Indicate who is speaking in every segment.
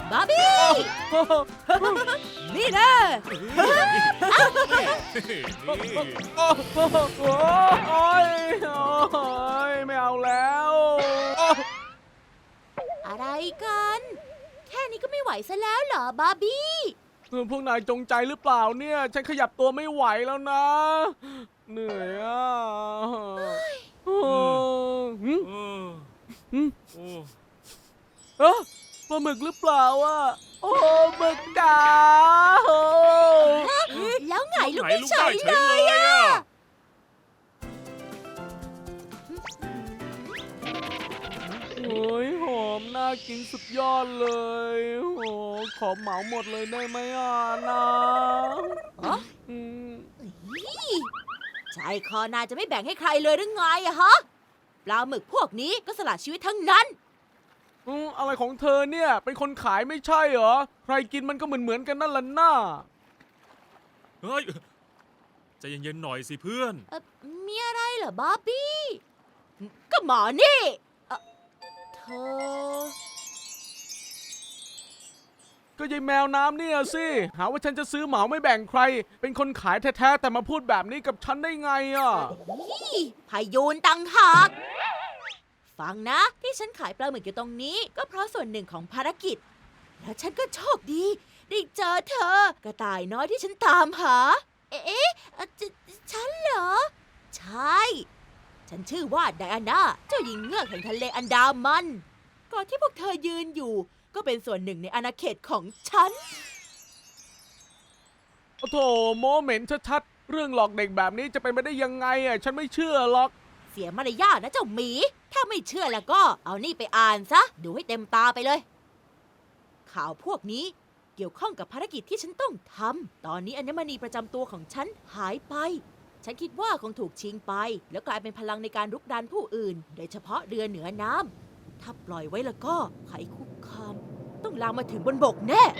Speaker 1: บาร์บี้ นี่นะ
Speaker 2: โอ๊ยไม่เอาแล้ว
Speaker 1: อะไรกัน แค่นี้ก็ไม่ไหวซะแล้วเหรอบาร์บี้
Speaker 2: พวกนายจงใจหรือเปล่าเนี่ย ฉันขยับตัวไม่ไหวแล้วนะ เหนื่อยอ่ะปลาหมึกหรือเปล่าอ่ะ โอ้หมึกจ๋า
Speaker 1: แล้วไงลูกไม่เฉยเลยอะ
Speaker 2: โอ้ยหอมน่ากินสุดยอดเลยโอ้ขอเหมาหมดเลยได้ไหมอ่ะนะ
Speaker 1: ใจคอนายจะไม่แบ่งให้ใครเลยหรือไงอะฮะ ปลาหมึกพวกนี้ก็สละชีวิตทั้งนั้น
Speaker 2: อะไรของเธอเนี่ยเป็นคนขายไม่ใช่เหรอใครกินมันก็เหมือนกันนั่นแหละน่า
Speaker 3: เฮ้ยใจเย็นๆหน่อยสิเพื่อน
Speaker 1: มีอะไรเหรอบาร์บี้ ก็หมอนี่เธอ
Speaker 2: ก็ยายแมวน้ำเนี่ยสิหาว่าฉันจะซื้อเหมาไม่แบ่งใคร เป็นคนขายแท้ๆแต่มาพูดแบบนี้กับฉันได้ไงอ่ะ
Speaker 1: พายุนตังหากฟังนะที่ฉันขายปลาหมึกอยู่ตรงนี้ ก็เพราะส่วนหนึ่งของภารกิจ แล้วฉันก็โชคดีได้เจอเธอกระต่ายน้อยที่ฉันตามหา ฉันเหรอ ใช่ ฉันชื่อว่าไดอาน่าเจ้าหญิงเงือกแห่งทะเลอันดามันก่อนที่พวกเธอยืนอยู่ ก็เป็นส่วนหนึ่งในอาณาเขตของฉัน
Speaker 2: โอ้โถโมเหม็นชัดๆเรื่องหลอกเด็กแบบนี้จะเป็นไปได้ยังไงอ่ะฉันไม่เชื่อหรอก
Speaker 1: เสียมารยาทนะเจ้าหมี ถ้าไม่เชื่อแล้วก็เอานี่ไปอ่านซะ ดูให้เต็มตาไปเลย ข่าวพวกนี้เกี่ยวข้องกับภารกิจที่ฉันต้องทำ ตอนนี้อัญมณีประจำตัวของฉันหายไป ฉันคิดว่าคงถูกชิงไป แล้วกลายเป็นพลังในการรุกดานผู้อื่น โดยเฉพาะเรือเหนือน้ำ ถ้าปล่อยไว้แล้วก็ภัยคุกคาม ต้องลามมาถึงบนบกแน่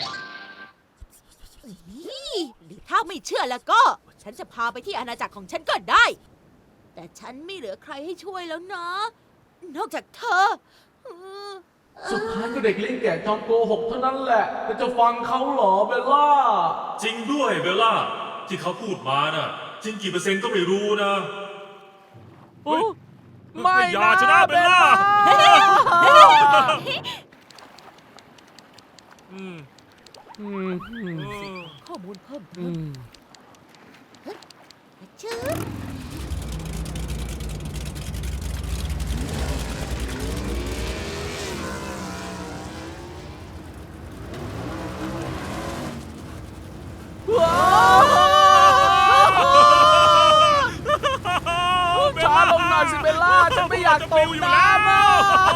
Speaker 1: หรือถ้าไม่เชื่อแล้วก็ ฉันจะพาไปที่อาณาจักรของฉันก็ได้ แต่ฉันไม่เหลือใครให้ช่วยแล้วนะ นอกจากเธอ
Speaker 2: สุดท้ายก็เด็กเลี้ยงแก่จอมโกหกเท่านั้นแหละแต่จะฟังเขาเหรอเบลล่า
Speaker 3: จริงด้วยเบลล่าที่เขาพูดมาน่ะจริงกี่เปอร์เซ็นต์ก็ไม่รู้นะ เฮ้ย
Speaker 2: ไม่
Speaker 3: อย่าชนะเบลล่า อืม
Speaker 1: ข้อมูลเพิ่ม ชื่อ
Speaker 2: ช้าลงหน่อยสิเบลล่าฉันไม่อยากตกน้ำอ่ะ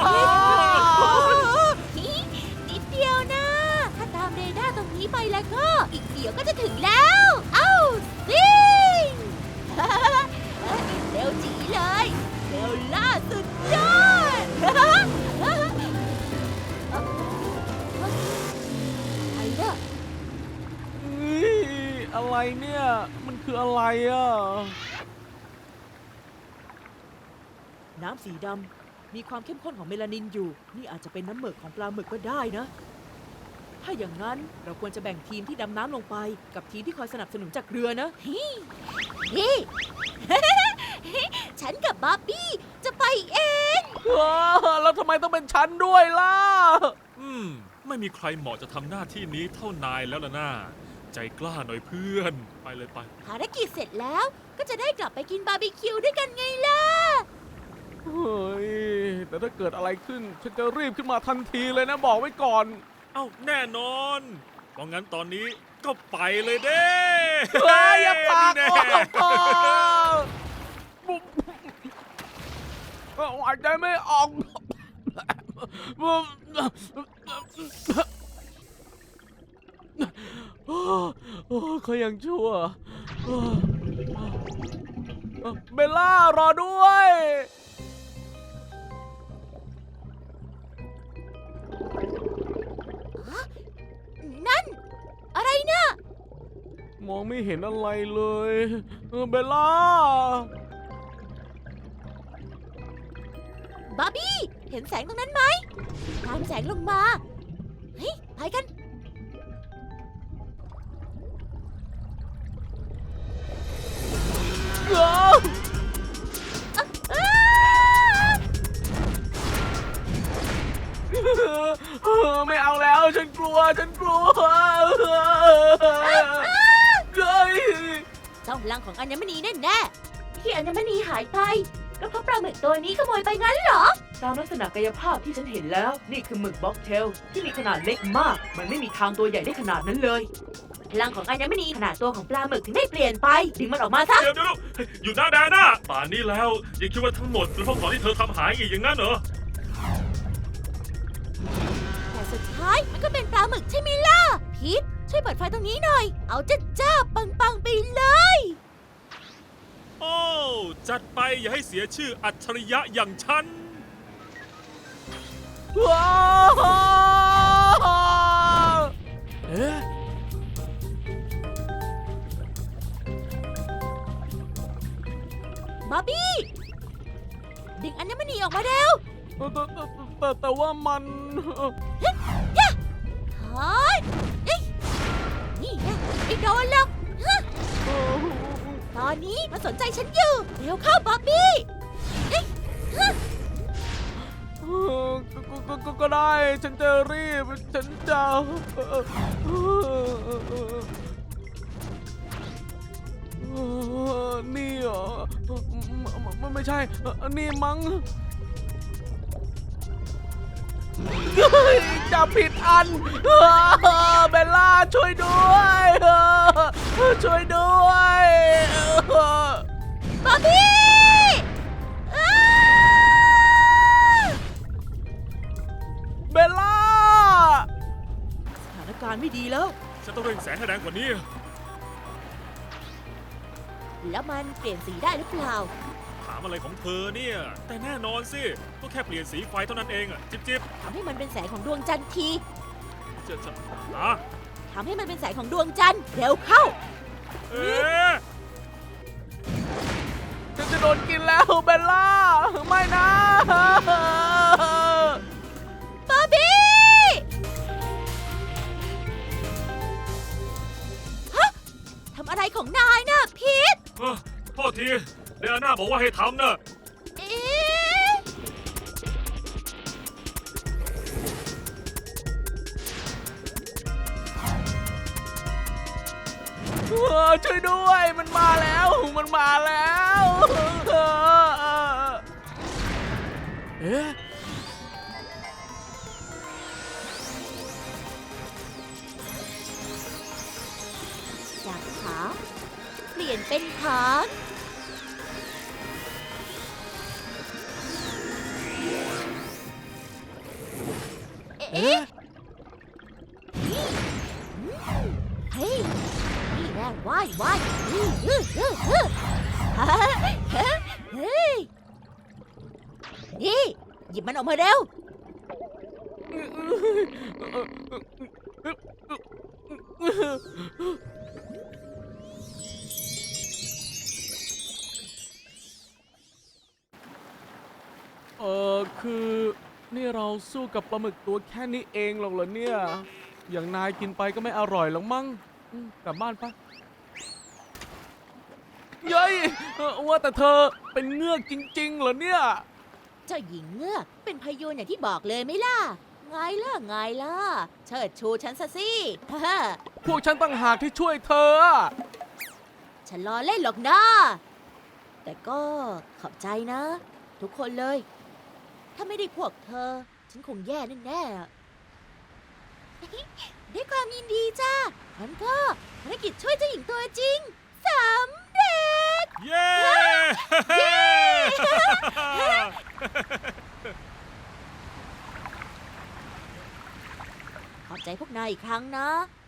Speaker 1: นิดเดียวนะ ถ้าตามเรดาร์ตรงนี้ไปแล้วก็ อีกเดี๋ยวก็จะถึงแล้ว เอ้าซิง เร็วจีเลยเร็วล่าสุดยอด ไอ้เด้อ
Speaker 2: อะไรเนี่ย มันคืออะไรอ่ะ
Speaker 1: น้ำสีดำมีความเข้มข้นของเมลานินอยู่ นี่อาจจะเป็นน้ำหมึกของปลาหมึกก็ได้นะ ถ้าอย่างนั้นเราควรจะแบ่งทีมที่ดำน้ำลงไป กับทีมที่คอยสนับสนุนจากเรือนะนี่ ฉันกับบาร์บี้จะไปเอง
Speaker 2: แล้วทำไมต้องเป็นฉันด้วยล่ะ
Speaker 3: ไม่มีใครเหมาะจะทำหน้าที่นี้เท่านายแล้วล่ะน่าใจกล้าหน่อยเพื่อนไปเลยไป
Speaker 1: ภารกิจเสร็จแล้วก็จะได้กลับไปกินบาร์บีคิวด้วยกันไงล่ะ
Speaker 2: เฮ้ย แต่ถ้าเกิดอะไรขึ้น ฉันจะรีบขึ้นมาทันทีเลยนะบอกไว้ก่อน
Speaker 3: เอ้าแน่นอนเพราะงั้นตอนนี้ก็ไปเลยเด้
Speaker 2: เฮ้ยอย่าปาก
Speaker 3: นี่
Speaker 2: โอ้
Speaker 3: แน่
Speaker 2: โหหายใจไม่ออกเขายังชั่วเบลล่ารอด้วย
Speaker 1: นั่น อะไรนะ
Speaker 2: มองไม่เห็นอะไรเลยเบลล่า
Speaker 1: บาร์บี้ เห็นแสงตรงนั้นไหมตามแสงลงมา เฮ้ยไปกัน
Speaker 2: ไม่เอาแล้วฉันกลัวเฮ้ย
Speaker 1: เจ้าพลังของอัญมณีแน่ๆที่อัญมณีหายไปก็เพราะปลาหมึกตัวนี้ขโมยไปงั้นเหรอ
Speaker 4: ตามลักษณะกายภาพที่ฉันเห็นแล้ว นี่คือหมึกบ็อกเทลที่มีขนาดเล็กมาก มันไม่มีทางตัวใหญ่ได้ขนาดนั้นเลย
Speaker 1: พลังของอัญมณีขนาดตัวของปลาหมึกถึงได้เปลี่ยนไปดึงมันออกมาซะ
Speaker 3: เดี๋ยวอยู่หน้าแดนน่ะป่านนี้แล้วยังคิดว่าทั้งหมดเป็นเพราะของที่เธอทำหายอีกอย่างนั้นเหรอ
Speaker 1: แต่สุดท้ายมันก็เป็นปลาหมึกใช่ไหมล่ะพีทช่วยเปิดไฟตรงนี้หน่อย เอาจ้าปังๆไปเลย
Speaker 3: โอ้จัดไปอย่าให้เสียชื่ออัจฉริยะอย่างฉัน
Speaker 2: ว้าวเอ๊ะ
Speaker 1: บาร์บี้ดึงอัญมณีออกมาเร็ว
Speaker 2: แต่ว่ามัน
Speaker 1: เฮ้ยเอ้ยนี่นะไม่โดนหรอกฮะตอนนี้มันสนใจฉันอยู่เร็วเข้าบาร์บี้เอ้ยฮะ
Speaker 2: ก็ได้ฉันจะรีบฉันจะนี่เหรอไม่ใช่นี่มั้งจับผิดอันเบลล่าช่วยด้วยช่วยด้วย
Speaker 1: บาร์บี้อ้า
Speaker 2: เบลล่า
Speaker 4: สถานการณ์ไม่ดีแล้ว
Speaker 3: ฉันต้องเร่งแสงให้แรงกว่านี้
Speaker 1: แล้วมันเปลี่ยนสีได้หรือเปล่า
Speaker 3: ถามอะไรของเธอเนี่ย แต่แน่นอนสิ ก็แค่เปลี่ยนสีไฟเท่านั้นเองอะจิ๊บ
Speaker 1: ทำให้มันเป็นแสงของดวงจันทร์ที
Speaker 3: จะอ่ะ
Speaker 1: ทำให้มันเป็นแสงของดวงจันทร์เร็วเข้า
Speaker 3: เอ๊ะ
Speaker 2: ฉันจะโดนกินแล้วเบลล่าไม่นะ
Speaker 1: บาร์บี้ฮะทำอะไรของนายนะพีท
Speaker 3: โทษทีเดอาน่าบอกว่าให้ทำนะ
Speaker 1: เอ๊ะ
Speaker 2: ช่วยด้วยมันมาแล้วเอ๊ะ
Speaker 1: จากขาเปลี่ยนเป็นขาเอ๊ะเฮ้ยนี่แน่ว่ายนี่เฮ้ยนี่หยิบมันออกมาเร็ว
Speaker 2: คือนี่เราสู้กับปลาหมึกตัวแค่นี้เองหรอกเหรอเนี่ย อย่างนายกินไปก็ไม่อร่อยหรอกมั้งกลับบ้านปะเย้ยว่าแต่เธอเป็นเงือกจริงๆเหรอเนี่ย
Speaker 1: เจ้าหญิงเงือกเป็นพยูนอย่างที่บอกเลยไหมล่ะ ไงล่ะ เชิดชูฉันซะสิ ฮ่า
Speaker 2: พวกฉันต่างหากที่ช่วยเธอ
Speaker 1: ฉันล้อเล่นหรอกนะ แต่ก็ขอบใจนะ ทุกคนเลย ถ้าไม่ได้พวกเธอ ฉันคงแย่แน่ๆ ด้วยความยินดีจ้าฉันก็ภารกิจช่วยเจ้าหญิงตัวจริงสำเร็จ
Speaker 3: เย้
Speaker 1: ขอบใจพวกนายอีกครั้งนะ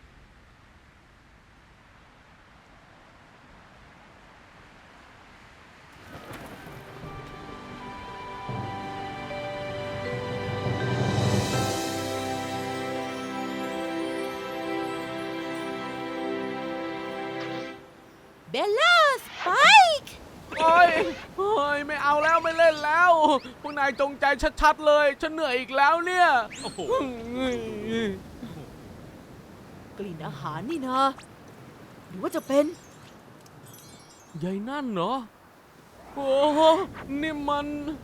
Speaker 1: เบลล่าสไปค์
Speaker 2: โอ้ยไม่เอาแล้วไม่เล่นแล้ว พวกนายจงใจชัดๆเลย ฉันเหนื่อยอีกแล้วเนี่ย
Speaker 3: โอ้โห
Speaker 1: กลิ่นอาหารนี่นะหรือว่าจะเป็น
Speaker 2: ใหญ่นั่นเหรอ โอ้โหนี่มัน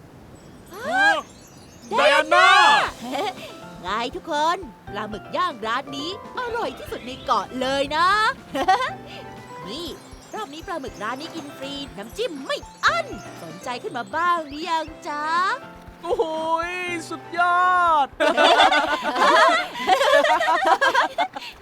Speaker 3: ไดอาน่า
Speaker 1: ไงทุกคน ปลาหมึกย่างร้านนี้ อร่อยที่สุดในเกาะเลยนะ นี่รอบนี้ปลาหมึกร้านนี้กินฟรี น้ำจิ้มไม่อั้น สนใจขึ้นมาบ้างหรือยังจ๊ะ
Speaker 2: โอ้โหสุดยอด